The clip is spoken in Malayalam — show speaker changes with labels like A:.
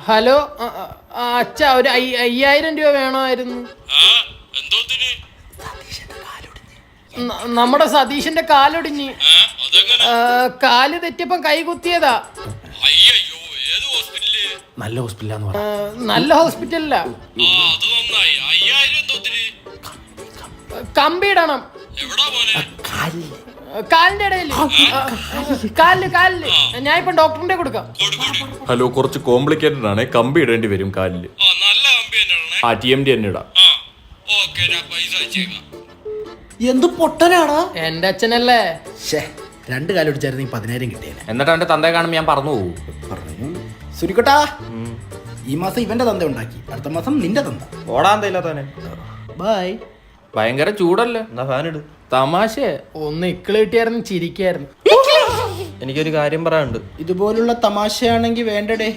A: ഹലോ അച്ഛ ഒരു 5000 രൂപ വേണമായിരുന്നു. നമ്മുടെ സതീഷിന്റെ കാലൊടിഞ്ഞ്. കാല് തെറ്റിയപ്പം കൈ കുത്തിയതാ.
B: നല്ല ഹോസ്പിറ്റലാന്ന് പറ.
A: നല്ല ഹോസ്പിറ്റലില്ല. കമ്പിയിടണം കാലിന്റെ ഇടയിൽ. കാലില് ഞാൻ ഇപ്പൊ ഡോക്ടറിന്റെ കൊടുക്കാം.
C: ഹലോ, കുറച്ച് കോംപ്ലിക്കേറ്റഡ് ആണ്. കമ്പി ഇടേണ്ടി വരും കാലില്. TMD തന്നെ ഇടാം.
B: എന്ത് പൊട്ടനാടാ
A: എന്റെ അച്ഛനല്ലേ.
B: 2 കാലം ഒടിച്ചായിരുന്നു 10,000 കിട്ടിയേനെ.
C: എന്നിട്ട് അവന്റെ തന്തയെ കാണുമ്പോൾ ഞാൻ പറഞ്ഞു പോകും.
B: സുരിക്കട്ടാ, ഈ മാസം ഇവന്റെ തന്ത ഉണ്ടാക്കി, അടുത്ത മാസം നിന്റെ തന്ത.
D: ഓടാൻ തയ്യില്ലാത്തവനെ.
B: ബൈ.
C: ഭയങ്കര ചൂടല്ലേ,
D: എന്നാ ഫാൻ ഇട്.
C: തമാശ.
A: ഒന്ന് ഇക്കിള് കിട്ടിയായിരുന്നു ചിരിക്കായിരുന്നു.
D: എനിക്കൊരു കാര്യം പറയാനുണ്ട്.
B: ഇതുപോലുള്ള തമാശയാണെങ്കി വേണ്ടടേ.